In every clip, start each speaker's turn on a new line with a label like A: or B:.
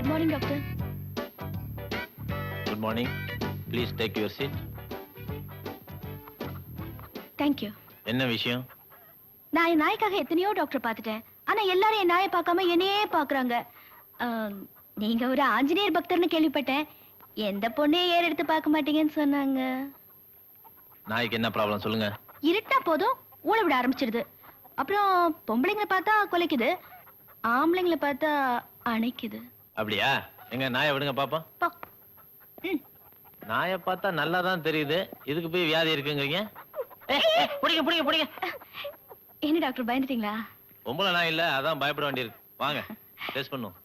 A: Good morning, doctor.
B: Good morning. Please take your seat.
A: Thank you.
B: என்ன விஷயம்?
A: நான் என் நாய்க்காக எத்தனையோ டாக்டர் பார்த்துட்டேன். ஆனா எல்லாரும் என் நாயை பார்க்காம என்னையே பார்க்கறாங்க. நீங்க ஒரு ஆஞ்சநேயர் பக்தர்னு கேள்விப்பட்டேன். எந்த பொண்ணையும் ஏற எடுத்து பார்க்க மாட்டீங்கன்னு சொன்னாங்க.
B: நாய்க்கு என்ன ப்ராப்ளம் சொல்லுங்க.
A: இருட்டா போதும் ஊழ விட ஆரம்பிச்சிடுது. அப்புறம் பொம்பளைங்களை பார்த்தா கொலைக்குது, ஆம்பளைங்களை பார்த்தா அணைக்குது.
B: அப்படியா? எங்க நாயை விடுங்க பாப்போம். நாயை பார்த்தா நல்லா தான் தெரியுது, இதுக்கு போய் வியாதி இருக்குங்கிறீங்க? புடிங்க புடிங்க புடிங்க.
A: என்ன டாக்டர் பயந்துட்டீங்களா?
B: பொம்பளை நாய் இல்ல, அதான் பயப்பட வேண்டியிருக்கு. வாங்க டெஸ்ட் பண்ணுவோம்.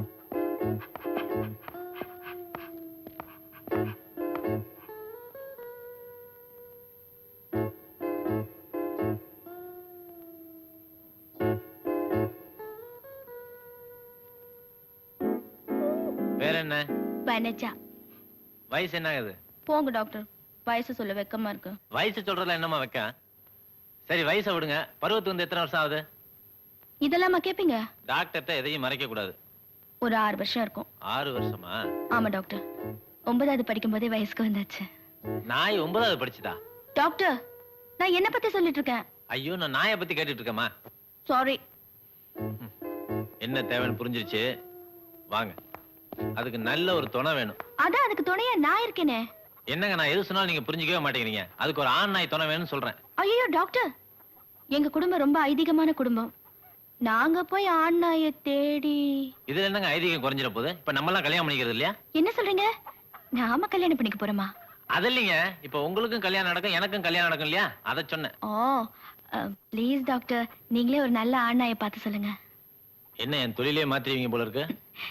B: வேற என்ன?
A: வனஜா.
B: வயசு என்ன ஆகுது?
A: போங்க டாக்டர், வயசு சொல்ல வெக்கமா இருக்கு.
B: வயசு சொல்றதுல என்னமா வைக்க? சரி வயசை விடுங்க, பருவத்து வந்து எத்தனை வருஷம் ஆகுது?
A: இதெல்லாமா கேப்பீங்க?
B: டாக்டர்கிட்ட எதையும் மறைக்க கூடாது.
A: ஒரு 6 வருஷம் இருக்கும்.
B: 6 வருஷமா?
A: ஆமா டாக்டர், 9வது படிக்கும் போதே வயசுக்கு வந்தாச்சு.
B: நாய் 9வது படிச்சுதா?
A: டாக்டர், நான் என்ன பத்தி சொல்லிட்டு இருக்கேன்?
B: ஐயோ, நான் நாயை பத்தி கேட்டுட்டு இருக்கேமா.
A: சாரி.
B: என்ன தேவைன்னு புரிஞ்சிருச்சு, வாங்க. அதுக்கு நல்ல ஒரு துணை வேணும்.
A: அதான் அதுக்கு துணையா நான் இருக்கேனே.
B: என்னங்க, நான் எது சொன்னாலும் நீங்க புரிஞ்சுக்கவே மாட்டேங்கிறீங்க. அதுக்கு ஒரு ஆண் நாய் துணை வேணும்னு சொல்றேன்.
A: ஐயோ டாக்டர், எங்க குடும்பம் ரொம்ப ஐதீகமான குடும்பம். நாங்க போய் ஆண் நாயை தேடி.
B: இதுல என்னங்க ஐதீகம் குறைஞ்சிட போகுது? இப்ப நம்ம எல்லாம் கல்யாணம் பண்ணிக்கிறது இல்லையா?
A: என்ன சொல்றீங்க? நாம கல்யாணம் பண்ணிக்க போறோமா?
B: அது இல்லைங்க, இப்ப உங்களுக்கும் கல்யாணம் நடக்கும், எனக்கும் கல்யாணம் நடக்கும் இல்லையா, அதை சொன்னேன்.
A: ஓ ப்ளீஸ் டாக்டர், நீங்களே ஒரு நல்ல ஆண் நாயை பார்த்து சொல்லுங்க.
B: என்ன என் தொழிலே மாத்திருவீங்க போல இருக்கு.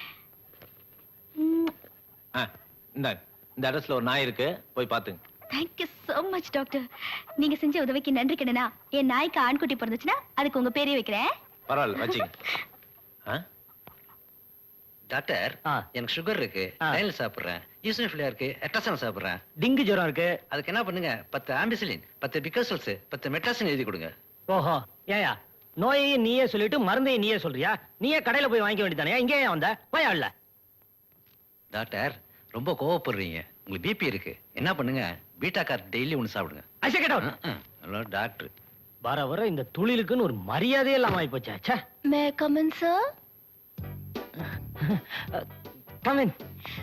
B: இந்த அட்ரஸ்ல ஒரு நாய் இருக்கு, போய் பாத்துங்க.
A: Thank you so much doctor. நீங்க செஞ்ச உதவிக்கு நன்றி கடனா. என் நாய்க்கு ஆண்குட்டி பிறந்துச்சுன்னா அதுக்கு உங்க பேரே வைக்கிறேன்.
B: பரவாயில்ல, வச்சுங்க.
C: டாக்டர், எனக்கு சுகர் இருக்கு, டைல் சாப்பிடுறேன், ஈசனோஃபிலியா இருக்கு, எட்ரசன் சாப்பிடுறேன்,
D: டிங்கு ஜுரம் இருக்கு.
C: அதுக்கு என்ன பண்ணுங்க, 10 ஆம்பிசிலின், 10 பிகாசல்ஸ், 10 மெட்ராசின் எழுதி கொடுங்க.
D: ஓஹோ, ஏயா நோயையும் நீயே சொல்லிட்டு மருந்தையும் நீயே சொல்றியா? நீயே கடையில போய் வாங்கிக்க வேண்டியதானே, இங்கே ஏன் வந்த? போயா இல்ல.
C: டாக்டர், ரொம்ப கோவப்படுறீங்க, உங்களுக்கு பிபி இருக்கு. என்ன பண்ணுங்க, பீட்டா கார் டெய்லி ஒன்று சாப்பிடுங்க. ஹலோ டாக்டர்,
D: வர வர இந்த துளிலுக்குன்னு ஒரு மரியாதையே இல்லாம ஆகி போச்சா.
A: May come in sir?
D: Come in.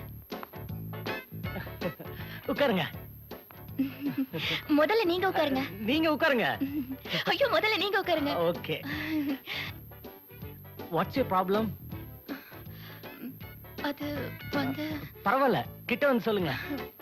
D: உட்காருங்க.
A: முதல்ல நீங்க உட்காருங்க.
D: நீங்க உட்காருங்க.
A: ஐயோ, முதல்ல நீங்க உட்காருங்க.
D: ஓகே. What's your problem?
A: அது வந்து
D: பரவாயில்ல, கிட்ட வந்து சொல்லுங்க.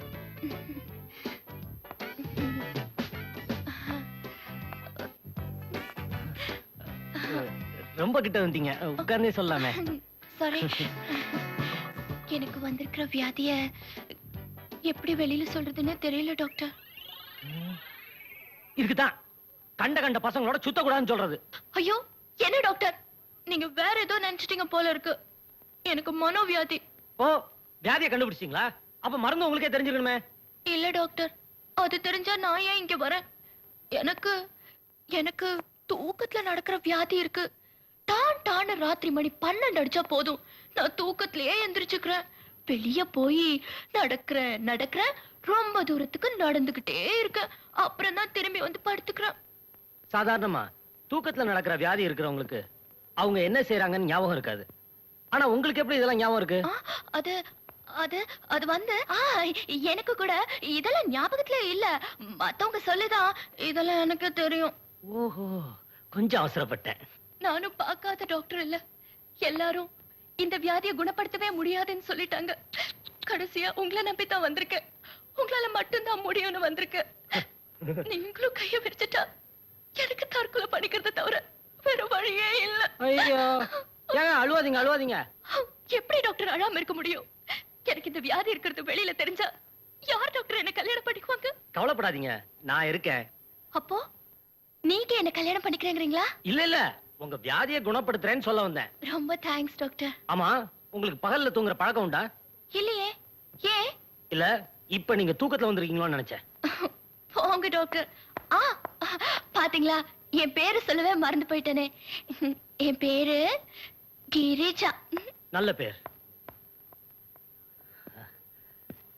D: ரொம்ப கிட்ட வந்தீங்க, உட்கார்ந்தே சொல்லாமே.
A: சாரி. எனக்கு வந்திருக்கிற வியாதிய எப்படி வெளியில சொல்றதுன்னு தெரியல டாக்டர்.
D: இருக்குதான் கண்ட கண்ட பசங்களோட சுத்த கூடாதுன்னு சொல்றது.
A: ஐயோ, என்ன டாக்டர், நீங்க வேற ஏதோ நினைச்சிட்டீங்க போல இருக்கு. எனக்கு மனோவியாதி.
D: ஓ, வியாதியை கண்டுபிடிச்சீங்களா? அப்ப மருந்து உங்களுக்கே தெரிஞ்சிருக்கணுமே.
A: இல்ல டாக்டர், அது தெரிஞ்சா நான் ஏன் இங்க வரேன்? எனக்கு எனக்கு தூக்கத்துல நடக்கிற வியாதி இருக்கு. டான் டான ராத்திரி மணி 12 அடிச்சா போதும், நான் தூக்கத்திலேயே எந்திரிச்சுக்கிறேன். வெளிய போய் நடக்கிறேன், ரொம்ப தூரத்துக்கு நடந்துகிட்டே இருக்கேன். அப்புறம் தான் திரும்பி வந்து படுத்துக்கிறேன்.
D: சாதாரணமா தூக்கத்துல நடக்கிற வியாதி இருக்கிறவங்களுக்கு அவங்க என்ன செய்யறாங்கன்னு ஞாபகம் இருக்காது. ஆனா உங்களுக்கு எப்படி இதெல்லாம் ஞாபகம் இருக்கு?
A: அது அது அது வந்து எனக்கு கூட இதெல்லாம் ஞாபகத்துல இல்ல. மத்தவங்க சொல்லுதான் இதெல்லாம் எனக்கு தெரியும்.
D: ஓஹோ, கொஞ்சம் அவசரப்பட்டேன்.
A: நானும் பார்க்காத டாக்டர் இல்ல. எல்லாரும் இந்த வியாதியை குணப்படுத்தவே முடியாதுன்னு சொல்லிட்டாங்க. கடைசியா உங்களை நம்பித்தான் வந்திருக்கேன். உங்களால மட்டும்தான் முடியும்னு வந்திருக்கேன். நீங்களும் கைய விரிச்சிட்டா எனக்கு தற்கொலை பண்ணிக்கிறத தவிர வேற வழியே இல்ல.
D: ஐயோ, ஏங்க அழுவாதீங்க அழுவாதீங்க.
A: எப்படி டாக்டர் அழாம இருக்க முடியும்? எனக்கு இந்த வியாதி இருக்கிறது வெளியில தெரிஞ்சா யார் டாக்டர் என்ன கல்யாணம் பண்ணிக்குவாங்க?
D: கவலைப்படாதீங்க, நான் இருக்கேன்.
A: அப்போ நீங்க என்ன கல்யாணம் பண்ணிக்கிறீங்களா?
D: இல்ல இல்ல, உங்க வியாதியை குணப்படுத்துறேன்னு சொல்ல வந்தேன்.
A: ரொம்ப தேங்க்ஸ் டாக்டர்.
D: ஆமா, உங்களுக்கு பகல்ல தூங்குற பழக்கம் உண்டா?
A: இல்லையே. ஏன்?
D: இல்ல, இப்ப நீங்க தூக்கத்துல வந்திருக்கீங்களோன்னு நினைச்சேன்.
A: போங்க டாக்டர். பாத்தீங்களா, என் பேரு சொல்லவே மறந்து போயிட்டேனே. என் பேரு கிரிஜா.
D: நல்ல பேர்.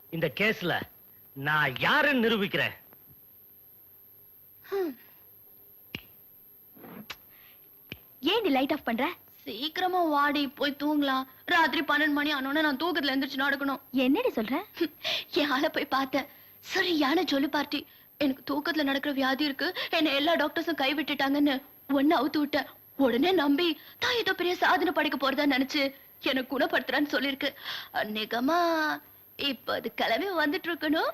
D: இந்த கேஸ்ல நான் யாருன்னு நிரூபிக்கிறேன்.
A: ஏன் நீ லைட் ஆஃப் பண்ற? சீக்கிரமா வாடி, போய் தூங்கலாம். ராத்திரி 12 மணி ஆனோன்னு நான் தூக்கத்துல எந்திரிச்சு நடக்கணும். என்னடி சொல்ற? என் ஆளை போய் பார்த்தேன். சரியான ஜொலி பார்ட்டி. எனக்கு தூக்கத்துல நடக்கிற வியாதி இருக்கு, என்ன எல்லா டாக்டர்ஸும் கை விட்டுட்டாங்கன்னு ஒன்னு அவுத்து விட்டேன். உடனே நம்பி தான் ஏதோ பெரிய சாதனை படைக்க போறதா நினைச்சு எனக்கு குணப்படுத்துறான்னு சொல்லிருக்கு. நிகமா இப்ப அது கிளம்பி வந்துட்டு இருக்கணும்.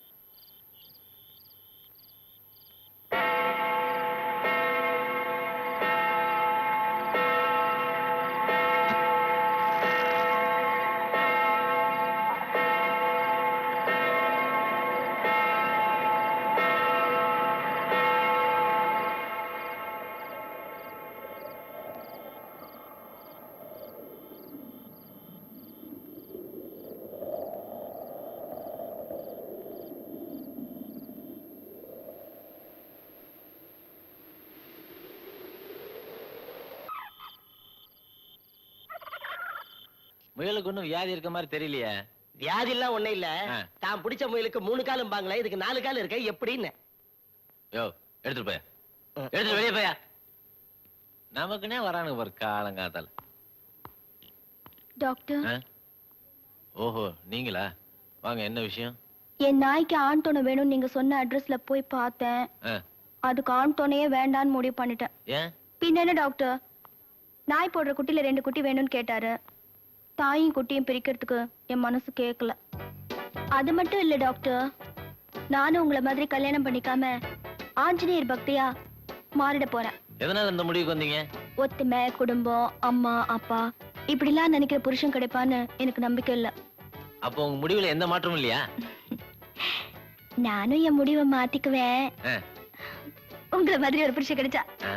B: முயலுக்கு ஒண்ணும் வியாதி இருக்க மாதிரி தெரியலையே.
D: வியாதி எல்லாம் ஒண்ணு இல்ல.
B: ஆ.
D: தான் பிடிச்ச முயலுக்கு 3 காலும் பாங்களே, இதுக்கு 4 கால் இருக்க எப்படின்னு.
B: யோ எடுத்துட்டு போயா, எடுத்துட்டு வெளியே போயா. நமக்குன்னே வரானுங்க பாரு காலங்காத்தால.
A: டாக்டர்,
B: ஓஹோ நீங்களா? வாங்க, என்ன விஷயம்?
A: என் நாய்க்கு ஆண் துணை வேணும்னு நீங்க சொன்ன அட்ரஸ்ல போய் பார்த்தேன். அதுக்கு ஆண் துணையே வேண்டான்னு முடிவு பண்ணிட்டேன்.
B: ஏன்?
A: பின்ன என்ன டாக்டர், நாய் போடுற குட்டில 2 குட்டி வேணும்னு கேட்டாரு. தாயும் குட்டியும் பிரிக்கிறதுக்கு என் மனசு கேட்கல. அது மட்டும் இல்ல டாக்டர், நானும் உங்களை மாதிரி கல்யாணம் பண்ணிக்காம ஆஞ்சநேயர் பக்தியா மாறிட போறேன்.
B: எதனால இந்த முடிவுக்கு வந்தீங்க?
A: ஒத்துமை, குடும்பம், அம்மா அப்பா இப்படிலாம் நினைக்கிற புருஷன் கிடைப்பான்னு எனக்கு நம்பிக்கை இல்ல.
B: அப்போ உங்க முடிவுல எந்த மாற்றமும் இல்லையா?
A: நானும் என் முடிவை மாத்திக்குவேன்,
B: ஆ.
A: உங்களை மாதிரி ஒரு புருஷன் கிடைச்சா.
B: ஆ?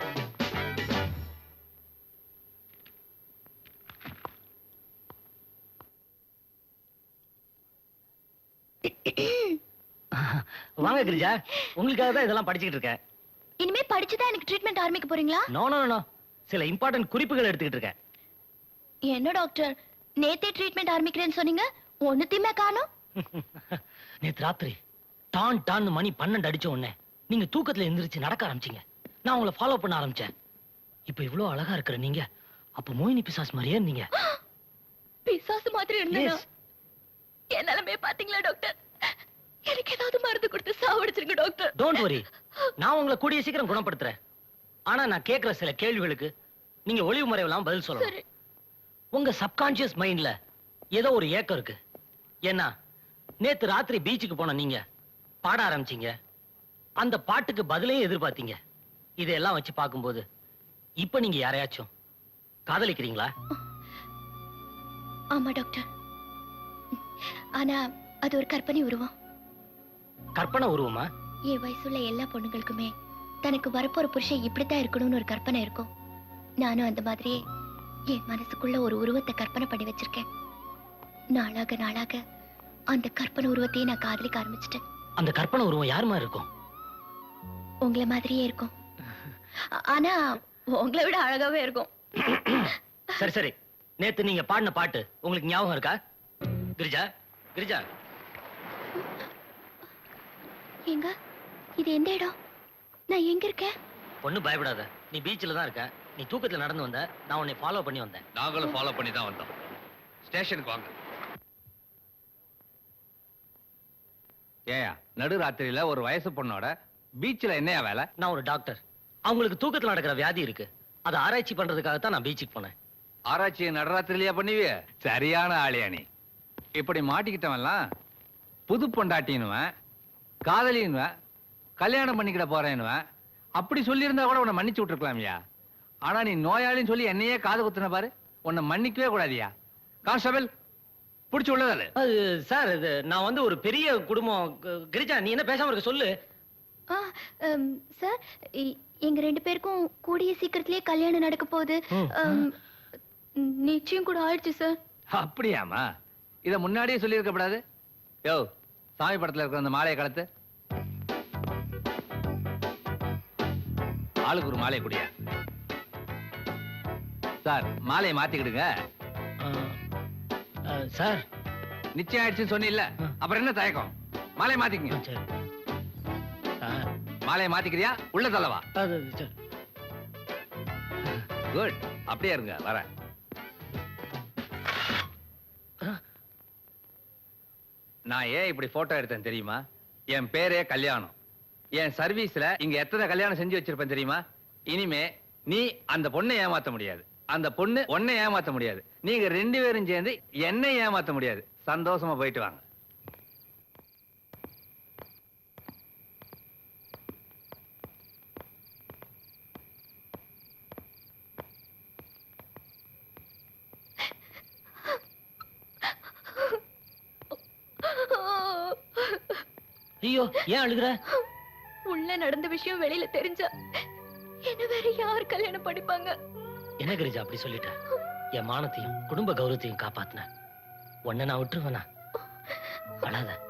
D: வாங்க கிரிஜா, உங்களுக்காக தான் இதெல்லாம் படிச்சுக்கிட்டு இருக்கேன்.
A: இனிமே படிச்சுதான் எனக்கு ட்ரீட்மெண்ட் ஆரம்பிக்க போறீங்களா?
D: நோ நோ நோ, சில இம்பார்ட்டன்ட் குறிப்புகள் எடுத்துக்கிட்டு இருக்கேன்.
A: என்ன டாக்டர், நேத்தே ட்ரீட்மெண்ட் ஆரம்பிக்கிறேன்னு சொன்னீங்க, ஒண்ணுத்தையுமே காணோம்.
D: நேத்து ராத்திரி டான் டான் மணி 12 அடிச்ச உடனே நீங்க தூக்கத்துல எந்திரிச்சு நடக்க ஆரம்பிச்சீங்க. நான் உங்களை ஃபாலோ பண்ண ஆரம்பிச்சேன். இப்ப இவ்வளவு அழகா இருக்கிற நீங்க அப்ப மோகினி பிசாஸ் மாதிரியே இருந்தீங்க.
A: பிசாசு மாதிரி இருந்தேனா?
D: Yes.
A: என் நிலைமைய பாத்தீங்களா டாக்டர்? எனக்கு ஏதாவது மருந்து கொடுத்து சாவடிச்சிருங்க டாக்டர்.
D: டோன்ட் வரி, நான் உங்களை கூடிய சீக்கிரம் குணப்படுத்துறேன். ஆனா நான் கேட்கிற சில கேள்விகளுக்கு நீங்க ஒளிவு மறைவெல்லாம் பதில் சொல்லணும்.
A: சரி.
D: உங்க சப்கான்சியஸ் மைண்ட்ல ஏதோ ஒரு ஏக்கம் இருக்கு. ஏன்னா நேத்து ராத்திரி பீச்சுக்கு போன நீங்க பாட ஆரம்பிச்சீங்க. அந்த பாட்டுக்கு பதிலையும் எதிர்பார்த்தீங்க. இதெல்லாம் வச்சு பார்க்கும்போது இப்ப நீங்க யாரையாச்சும் காதலிக்கிறீங்களா?
A: ஆமா டாக்டர், ஆனா அது ஒரு கற்பனை உருவம்.
D: கற்பனை உருவமா?
A: என் வயசுள்ள எல்லா பொண்ணுங்களுக்குமே தனக்கு வரப்போற புருஷன் இப்படித்தான் இருக்கணும்னு ஒரு கற்பனை இருக்கும். நானும் அந்த மாதிரியே என் மனசுக்குள்ள ஒரு உருவத்தை கற்பனை பண்ணி வச்சிருக்கேன். நாளாக நாளாக அந்த கற்பனை உருவத்தையே நான் காதலிக்க ஆரம்பிச்சிட்டேன்.
D: அந்த கற்பனை உருவம் யாருமா இருக்கும்?
A: உங்களை மாதிரியே இருக்கும், ஆனா உங்களை விட அழகாவே இருக்கும்.
D: சரி சரி, நேத்து நீங்க பாடின பாட்டு உங்களுக்கு ஞாபகம் இருக்கா? கிரிஜா, கிரிஜா.
A: எங்க இது எந்த இடம்? நான் எங்க இருக்கேன்?
D: ஒண்ணும் பயப்படாத, நீ பீச்ல தான் இருக்க. நீ தூக்கத்துல நடந்து வந்த, நான் உன்னை ஃபாலோ பண்ணி வந்தேன்.
C: நாங்களும் ஃபாலோ பண்ணி தான் வந்தோம். ஸ்டேஷனுக்கு வாங்க. ஏயா நடுராத்திரியில ஒரு வயசு பொண்ணோட பீச்ல என்னையா வேலை?
D: நான் ஒரு டாக்டர். அவங்களுக்கு தூக்கத்துல நடக்கிற வியாதி இருக்கு. அதை ஆராய்ச்சி பண்றதுக்காக தான் நான் பீச்சுக்கு போனேன்.
C: ஆராய்ச்சியை நடுராத்திரிலையா பண்ணுவிய? சரியான ஆளியா நீ. இப்படி மாட்டிக்கிட்டவன்லாம் புது பொண்டாட்டின்னுவன், காதலின்னுவன், கல்யாணம் பண்ணிக்கிட போறேன்னுவன். அப்படி சொல்லியிருந்தா கூட உன்னை மன்னிச்சு விட்டுருக்கலாம்யா. ஆனா நீ நோயாளின்னு சொல்லி என்னையே காது குத்துன பாரு, உன்னை மன்னிக்கவே கூடாதியா. கான்ஸ்டபிள் புடிச்சு உள்ளதால.
D: அது சார், இது நான் வந்து ஒரு பெரிய குடும்பம். கிரிஜா, நீ என்ன பேசாம இருக்க சொல்லு.
A: சார், எங்க 2 பேருக்கும் கூடிய சீக்கிரத்திலேயே கல்யாணம் நடக்க போகுது. நிச்சயம் கூட ஆயிடுச்சு சார்.
C: அப்படியாமா? இத முன்னாடியே சொல்லியிருக்க கூடாது. யோ, சாமி படத்துல இருக்கிற அந்த மாலையை கலத்து. ஆளுக்கு ஒரு மாலையை குடியா. சார், மாலையை மாத்திக்கிடுங்க.
D: சார்,
C: நிச்சயம் ஆயிடுச்சுன்னு சொன்னில்ல, அப்புறம் என்ன தயக்கம்? மாலையை மாத்திக்கங்க.
D: சரி. ஆ,
C: மாலையை மாத்திக்கிறியா? உள்ள தள்ளவா?
D: அது சரி.
C: குட். அப்படியே இருங்க, வரேன். நான் ஏன் இப்படி போட்டோ எடுத்தேன் தெரியுமா? என் பேரே கல்யாணம். என் சர்வீஸ்ல இங்க எத்தனை கல்யாணம் செஞ்சு வச்சிருப்பேன் தெரியுமா? இனிமே நீ அந்த பொண்ணை ஏமாத்த முடியாது, அந்த பொண்ணு உன்னை ஏமாத்த முடியாது, நீங்க 2 பேரும் சேர்ந்து என்னை ஏமாத்த முடியாது. சந்தோஷமா போயிட்டு வாங்க.
D: ஐயோ, ஏன் அழுகுற?
A: உள்ள நடந்த விஷயம் வெளியில தெரிஞ்சா என்ன வேற யார் கல்யாணம் படிப்பாங்க?
D: என்ன கிரிஜா அப்படி சொல்லிட்ட? என் மானத்தையும் குடும்ப கௌரவத்தையும் காப்பாத்தின உன்னை நான் விட்டுருவேனா? அழாத.